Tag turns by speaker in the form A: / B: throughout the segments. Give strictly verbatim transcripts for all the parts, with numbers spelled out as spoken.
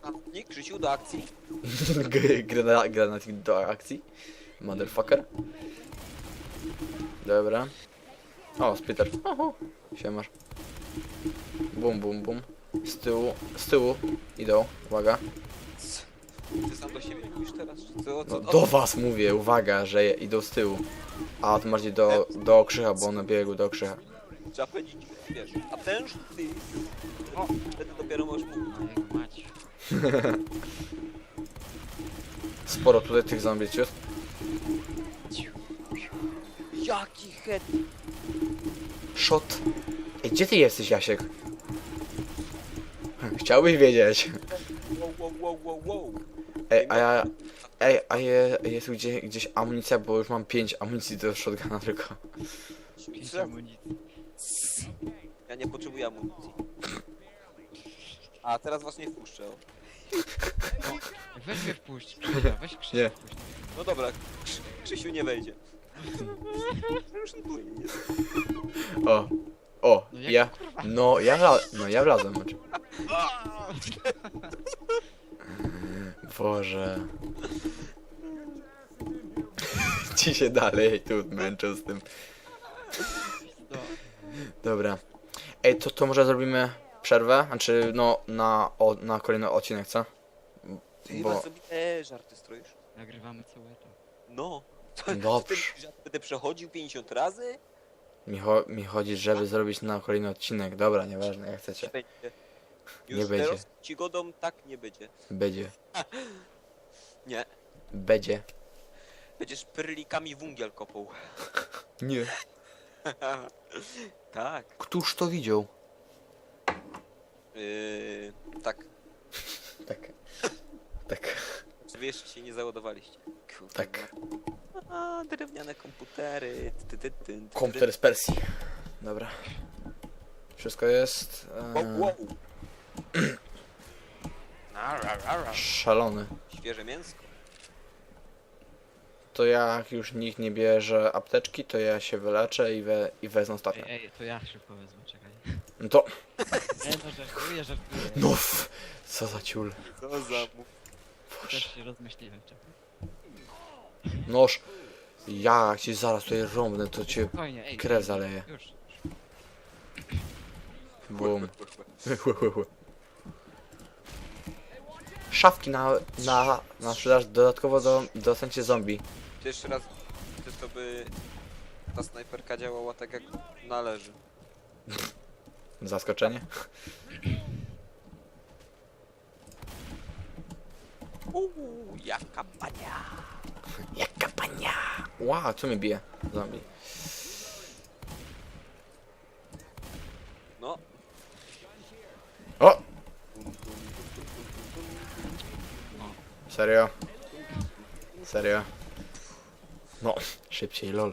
A: Granatnik, Krzysiu, do akcji.
B: Grana, granatnik do akcji. Motherfucker. Dobra. O, splitter. Oho. Siemasz. Bum, bum, bum. Z tyłu, z tyłu idą. Uwaga.
A: Ty sam do siebie mówisz teraz? Czy co?
B: No,
A: Co?
B: do was mówię, uwaga, że idą z tyłu. A to bardziej do, do krzycha, bo one biegły do krzycha.
A: Trzeba powiedzieć, wiesz, attention please. O, wtedy dopiero możesz mówić.
C: No jak mać.
B: Sporo tutaj tych zombie ciut.
A: Jaki head!
B: Shot. Ej, gdzie ty jesteś, Jasiek? Chciałbyś wiedzieć.
A: Wow, wow, wow, wow, wow.
B: Ej, a ja... Ej, a je, jest tu gdzie, gdzieś amunicja, bo już mam pięć amunicji do shotguna tylko.
C: Pięć
A: Co?
C: amunicji.
A: Ja nie potrzebuję amunicji. A teraz was nie wpuszczę.
C: Weź mnie wpuść, Krzysia, weź Krzysia
B: Nie.
C: wpuść.
A: No dobra, Krzy Krzysiu nie wejdzie. Już tu jest.
B: O. O,
C: No jak
B: ja...
C: kurwa?
B: No, ja wla... No, ja wlazłem. znaczy. Boże. Ci się dalej tu męczą z tym.
C: No.
B: Dobra. Ej, to, to może zrobimy przerwę? Znaczy, no, na, o, na kolejny odcinek, co?
A: Ty
B: Bo-
A: chyba sobie e, żarty stroisz.
C: Nagrywamy całe to.
A: No. To,
B: Dobrze.
A: Ty żart będę przechodził pięćdziesiąt razy?
B: Mi, cho mi chodzi, żeby zrobić na kolejny odcinek. Dobra, nieważne, jak
A: Nie
B: chcecie.
A: będzie.
B: Nie
A: Już
B: będzie.
A: teraz ci godą tak nie będzie.
B: Będzie.
A: Nie.
B: Będzie.
A: Będziesz perlikami wungiel kopał.
B: Nie.
A: Tak.
B: Któż to widział?
A: Yy, tak.
B: Tak. Tak.
A: Wy jeszcze się nie załadowaliście. Kurde.
B: Tak.
A: A, drewniane komputery. Ty, ty, ty, ty, ty.
B: Komputer z Persji. Dobra. Wszystko jest...
A: Wow,
B: E,
A: wow. Ara, ara.
B: szalony.
A: Świeże mięsko.
B: To jak już nikt nie bierze apteczki, to ja się wyleczę i, we, i wezmę
C: Ej,
B: ostatnią.
C: ej, to ja szybko wezmę, czekaj.
B: No to...
C: Ej, no żartuję, żartuję.
B: No f, co za ciul.
A: Co za mów.
C: Też się rozmyśliłem, czekaj.
B: Noż. Ja jak ci zaraz tutaj rąbnę, to cię
C: Spokojnie, ej.
B: krew zaleje.
C: Już. już.
B: Bum. Szafki na, na, na sprzedaż dodatkowo do, docencie zombie.
A: To jeszcze raz, to, to by ta snajperka działała tak jak należy.
B: Zaskoczenie.
A: Uuu, jaka pania.
B: Jaka pania. Ła, co mnie bije? Zombie.
A: No.
B: O! Serio? Serio? No, szybciej, lol.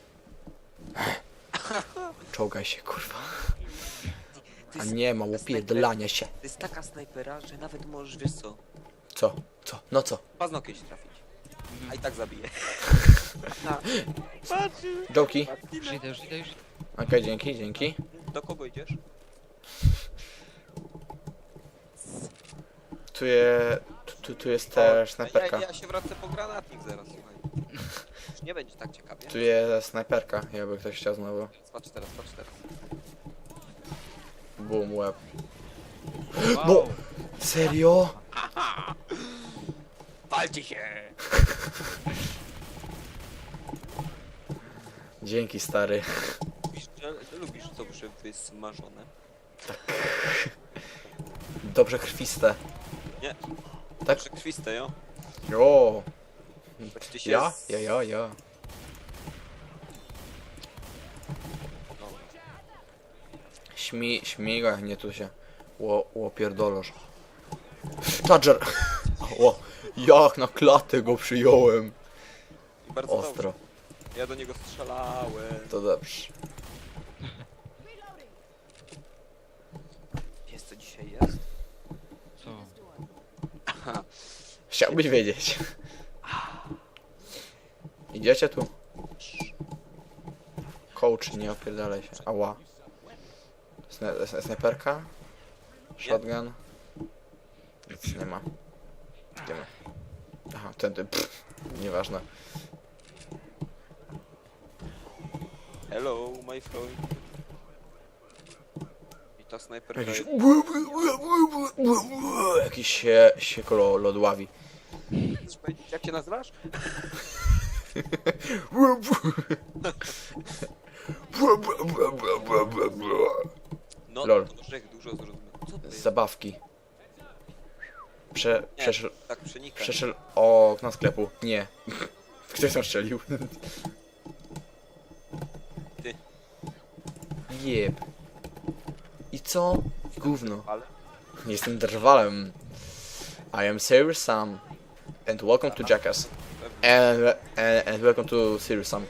B: Czołgaj się, kurwa. A nie ma łopierdlania się.
A: To jest taka snajpera, że nawet możesz, wiesz co,
B: Co? Co? No co?
A: paznokieć trafić. A i tak zabije.
B: Joki?
C: Już idę, już idę, już.
B: Okej, dzięki, dzięki.
A: Do kogo idziesz?
B: Tu, je, tu, tu, tu jest też
A: ja,
B: snajperka.
A: ja się wracę po granatnik zaraz, słuchaj. Już nie będzie tak ciekawie.
B: Tu jest snajperka, jakby ktoś chciał znowu.
A: Patrz teraz, patrz teraz.
B: Boom, łeb.
C: Wow.
B: No! Serio?
A: Walcie się!
B: Dzięki, stary.
A: Lubisz, że- lubisz to, że jest smażone?
B: Dobrze krwiste.
A: Nie.
B: Tak?
A: Przekrwiste, jo?
B: Jo!
A: Patrzcie się
B: Ja?
A: z-
B: Ja, ja, ja.
A: No.
B: Śmi, śmigaj, nie tu się. Ło, łopierdolosz. Charger! O, jak na klatę go przyjąłem.
A: I bardzo
B: Ostro.
A: dobrze. Ja do niego strzelałem.
B: To dobrze.
A: Jest co dzisiaj jest?
C: Co?
B: Chciałbyś wiedzieć. Idziecie tu? Coach, nie opierdalaj się. Ała. Sna sna- snajperka? Shotgun? nic nie ma. Idziemy. Aha, tędy. Pff, nieważne.
A: Hello, my friend. I ta snajperka
B: Jakiś...
A: jest...
B: Jakiś się, się koło lodławi.
A: Jak cię nazywasz? No,
B: Lol.
A: to Grzech dużo zrozumiał. Co to jest?
B: Zabawki. Prze...
A: Nie,
B: Przeszedł...
A: tak przenika.
B: Przeszedł okno sklepu. Nie. Ktoś tam strzelił.
A: Ty.
B: Jeb. I co? Gówno.
A: Ale...
B: Jestem drwalem. I am Sir Sam. And welcome to Jackass. And, and, and welcome to Sir Sam.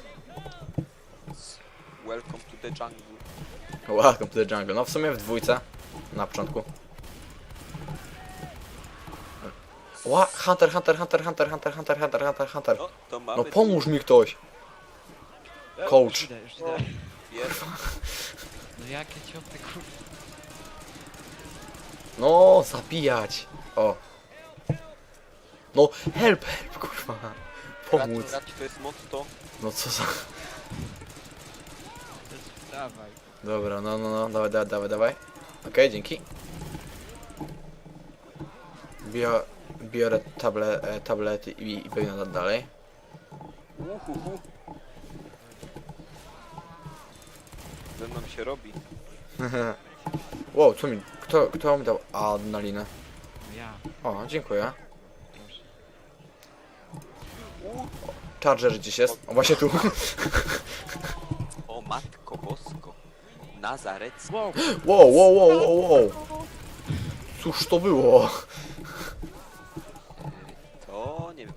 A: Welcome to the jungle.
B: Welcome to the jungle. No w sumie w dwójce. Na początku. Ła, Hunter, Hunter, Hunter, Hunter, Hunter, Hunter, Hunter, Hunter, Hunter.
A: No, to mamy...
B: No pomóż mi ktoś. Coach.
C: Już idę, już idę.
A: Pierwszy.
C: No jakie cioty, kurwa.
B: No, zabijać. O. No, help, help, kurwa. Pomóc.
A: Raci to jest motto.
B: No co za...
C: Dawaj.
B: Dobra, no, no, no, dawaj, dawaj, dawaj, dawaj. Okej, dzięki. Bio, biorę table, e, tablety i, i biegnę dalej.
A: Uhuhu. Ze mną się robi.
B: Wow, co mi... Kto, kto mi dał adrenalinę?
C: No ja.
B: O, dziękuję.
C: Proszę.
B: Charger gdzieś jest. O, właśnie tu.
A: O matko bosko. Nazarecki.
C: Wow.
B: Wow, wow, wow, wow, wow. Cóż to było?
A: To nie wiem.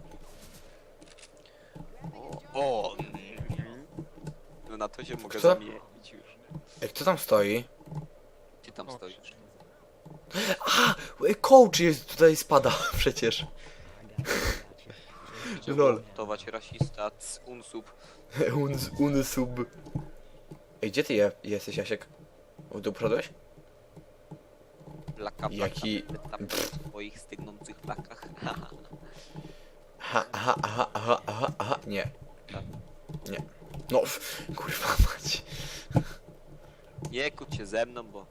A: O, o. mm. No na to się mogę
B: Kto?
A: zamienić już.
B: Ej, kto tam stoi?
A: Ty tam stoisz.
B: A! Coach jest tutaj spada przecież. Lol.
A: Tować rasista, c, unsub.
B: Un, unsub. Ej, gdzie ty je, jesteś, Jasiek? W dół poszedłeś?
A: Plaka, plaka.
B: Jaki-
A: Tam w swoich stygnących plakach.
B: Aha, aha, aha, aha, aha, aha. Nie. Nie. No, f- kurwa mać.
A: Nie kłóć się ze mną, bo...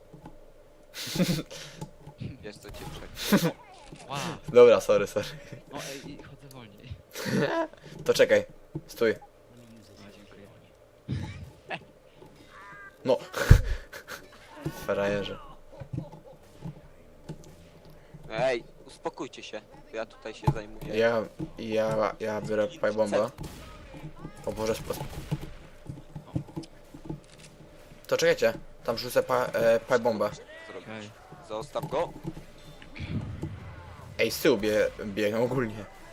A: Wiesz co cię przejdzie.
C: Wow.
B: Dobra, sorry, sorry.
C: No ej, i chodzę wolniej.
B: To czekaj. Stój.
C: No dziękuję.
B: No. Frajerze.
A: Ej, uspokójcie się. Ja tutaj się zajmuję.
B: Ja, ja, ja biorę pipe bomba. O Boże, spo... To czekajcie. Tam rzucę pa, e, pipe bombę.
A: Zrobić.
C: Okej.
A: Zostaw go.
B: Ej, z tyłu bie, biegną ogólnie.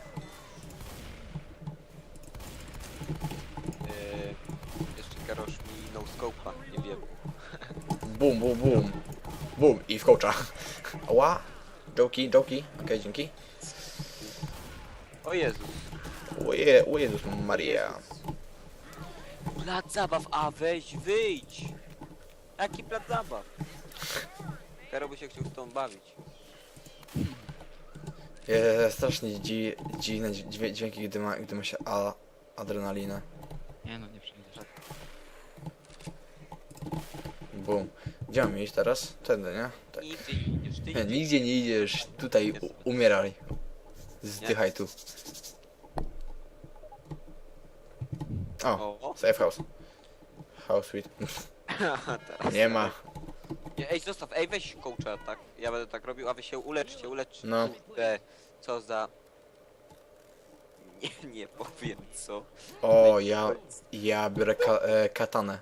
A: Yy, jeszcze Karosz mi no scope'a, nie wiem.
B: Bum, bum, bum. Bum i w coacha. Ła. Joki, joki. Okej, dzięki.
A: O Jezus.
B: Oje, o Jezus Maria.
A: Plac zabaw, a weź wyjdź. Jaki plac zabaw? Karo by się chciał z tą bawić.
B: Je, strasznie dzi, dziwne dźwię- dźwięki, gdy ma, gdy ma się a, adrenalinę.
C: Nie no, nie przejdziesz.
B: Bum. Gdzie mam iść teraz? Tędy, nie? Tak.
A: Nigdzie nie idziesz, ty
B: Nie,
A: idziesz.
B: nigdzie nie idziesz. Tutaj u, umieraj. Zdychaj tu. O,
A: O,
B: safe house. House sweet.
A: teraz.
B: Nie ma.
A: Nie, ej, zostaw, ej, weź coacha, tak? Ja będę tak robił, a wy się uleczcie, uleczcie.
B: No.
A: Kurde, co za... Nie, nie powiem co.
B: O, ja, ja biorę ka, e, katanę.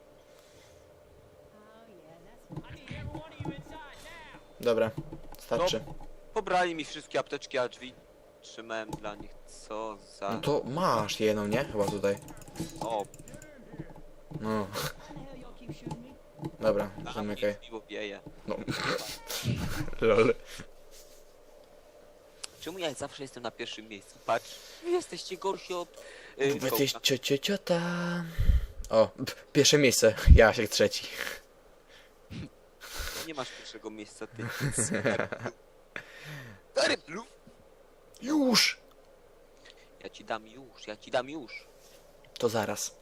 B: Dobra, starczy.
A: Pobrali mi wszystkie apteczki, a drzwi trzymałem dla nich. Co za...
B: No to masz jedną, nie? Chyba tutaj.
A: O,
B: No. Dobra, zamykaj.
A: piwo wieje.
B: No. Lol.
A: Czemu ja zawsze jestem na pierwszym miejscu? Patrz, wy jesteście gorsi od... Yy,
B: Wy jesteś
A: coacha.
B: cio, cio, ciota. O, p- pierwsze miejsce. Jasiek trzeci.
A: Nie masz pierwszego miejsca, ty. Ryblu.
B: Już!
A: Ja ci dam już, ja ci dam już.
B: To zaraz.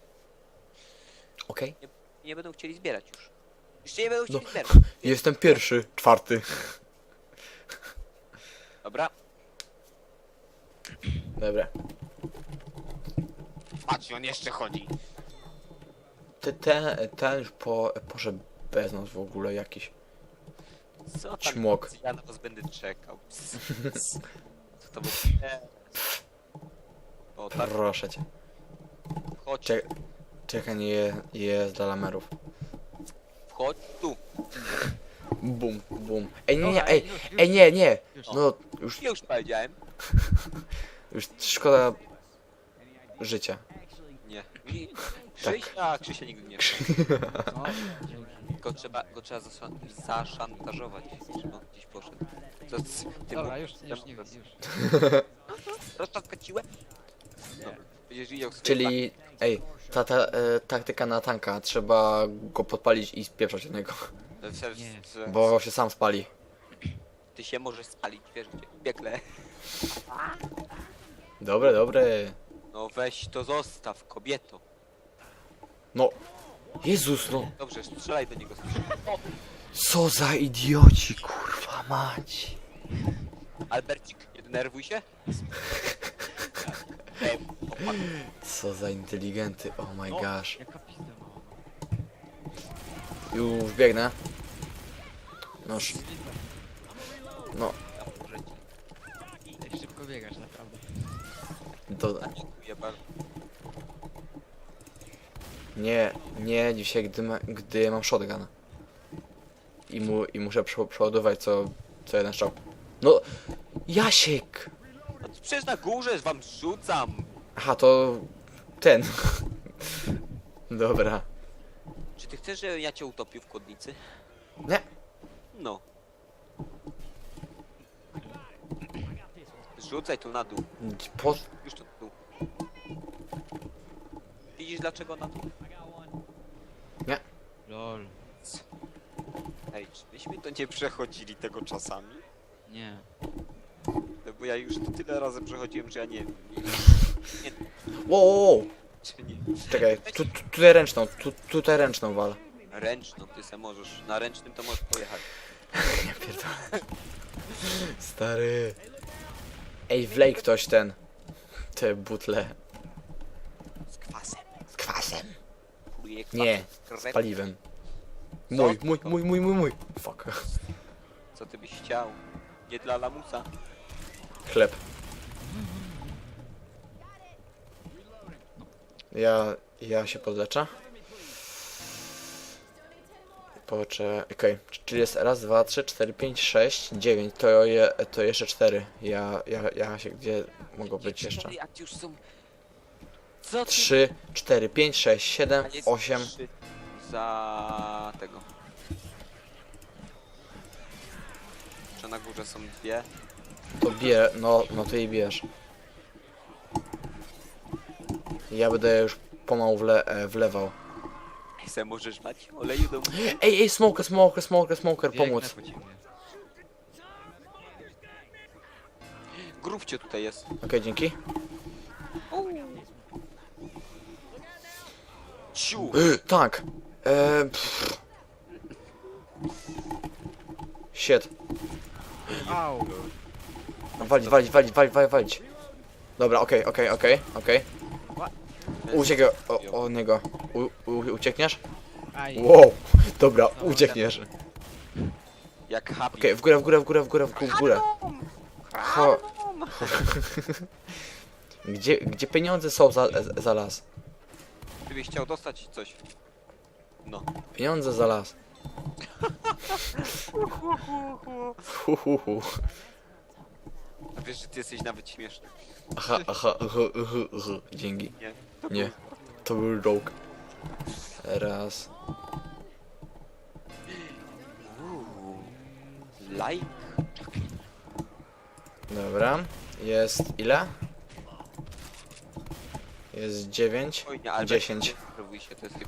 B: Okej?
A: Nie będą chcieli zbierać już. Już nie będą chcieli
B: No.
A: zbierać.
B: Jestem pierwszy, czwarty.
A: Dobra.
B: Dobra.
A: Patrz, on jeszcze chodzi.
B: Ty, ten, ten już po, poszedł bez nas w ogóle jakiś.
A: Co tam?
B: Ćmok.
A: Ja na was będę czekał. Co to było? Nie. O, tak,
B: Proszę cię.
A: chodź,
B: Czek czekaj, nie je, jest dla lamerów.
A: wchodź tu.
B: Bum, bum. Ej, nie, nie,
C: Dobra,
B: ej,
C: już, już.
B: ej, nie, nie.
C: Już.
B: No, już,
A: Już powiedziałem.
B: już szkoda życia.
A: Nie. I
B: Tak.
A: Krzysia, Krzysia nigdy nie.
C: No, dzięki.
A: Go trzeba, go trzeba zaszan zaszantażować, żeby on gdzieś poszedł. To z tym...
C: Dobra, już, już, nie, już.
A: Rozczapka ciłę? Dobra. Będziesz widział swoje
B: Czyli, ej, ta, ta e, taktyka na tanka, trzeba go podpalić i spieprzać od niego.
A: flaki. W- w-
C: Nie.
A: w-
B: Bo się sam spali.
A: Ty się możesz spalić, wiesz gdzie? W piekle.
B: Dobre, dobre.
A: No weź to zostaw, kobieto.
B: No, Jezus, no.
A: Dobrze, strzelaj do niego. Strzelaj.
B: Co za idioci, kurwa mać.
A: Albercik, nie denerwuj się. Ej, opak.
B: Co za inteligenty, oh my
A: No.
B: gosh.
C: Jaka pizda mała.
B: Już biegnę. Noż, no,
A: Ja pomoże ci.
C: Ej, szybko biegasz, naprawdę.
B: to
A: A, dziękuję bardzo.
B: nie, nie dzisiaj, gdy, ma, gdy mam shotgun. I, mu, i muszę prze, przeładować co, co jeden strzał. No, Jasiek!
A: No to przecież na górze wam rzucam.
B: Aha, to ten. Dobra.
A: Czy ty chcesz, żebym ja cię utopił w kłodnicy?
B: Nie.
A: No. Rzucaj tu na dół.
B: Po,
A: Już to tu. Widzisz dlaczego na dół?
C: Lol.
A: Ej, czy myśmy to nie przechodzili tego czasami?
C: Nie.
A: No bo ja już to tyle razy przechodziłem, że ja nie wiem. Nie,
B: wow, wow, wow.
A: czy nie.
B: Czekaj, tu, tu, tutaj ręczną, tu, tutaj ręczną wal.
A: Ręczną, ty se możesz. Na ręcznym to możesz pojechać.
B: Ja pierdolę. Stary. Ej, wlej ktoś ten. Te butle.
A: Z kwasem.
B: Z kwasem.
A: Pluję kwasem.
B: Nie,
A: z krewetką.
B: z paliwem. Mój, mój, mój, mój, mój, mój. Fuck.
A: Co ty byś chciał? Nie dla lamusa.
B: Chleb. Ja, ja się podleczę. Poczekaj, okej. Czyli jest raz, dwa, trzy, cztery, pięć, sześć, dziewięć. To, je, to jeszcze cztery. Ja, ja, ja się gdzie mogą być jeszcze?
A: A ci już są... Co ty?
B: trzy, cztery, pięć, sześć, siedem,
A: A jest
B: osiem.
A: trzy za tego. Czy na górze są dwie?
B: To bie, no, no to i bierz. Ja będę już pomału wle, e, wlewał.
A: Ej, se możesz dać oleju do mnie?
B: Ej, ej, smoker, smoker, smoker, smoker,
C: Biegnę
B: pomóc.
C: po ciebie.
A: Grubcie tutaj jest.
B: Okej, dzięki.
A: Ciu!
B: Tak. E, pff. Shit.
C: Au!
B: Walić, walić, walić, walić, walić, walić. Dobra, okej, okej, okej, okej. Uciekaj o, od niego. U, u, uciekniesz?
C: Aj!
B: Wow. Dobra,
C: No,
B: uciekniesz.
C: dobrze.
A: Jak happy.
B: Okej, w górę, w górę, w górę, w górę, w górę, w górę. Cho. Gdzie, gdzie pieniądze są za, za las?
A: Gdybyś chciał dostać coś. No.
B: Pieniądze za las. Hu, hu, hu.
A: A wiesz, że ty jesteś nawet śmieszny.
B: Aha, aha, aha, aha, aha. Dzięki.
A: Nie? To
B: Nie. To był joke. Raz.
A: Uuu. Like?
B: Dobra. Jest ile? Jest dziewięć.
A: Oj, nie, ale
B: dziesięć.
A: Nie denerwuj się, to jest chyba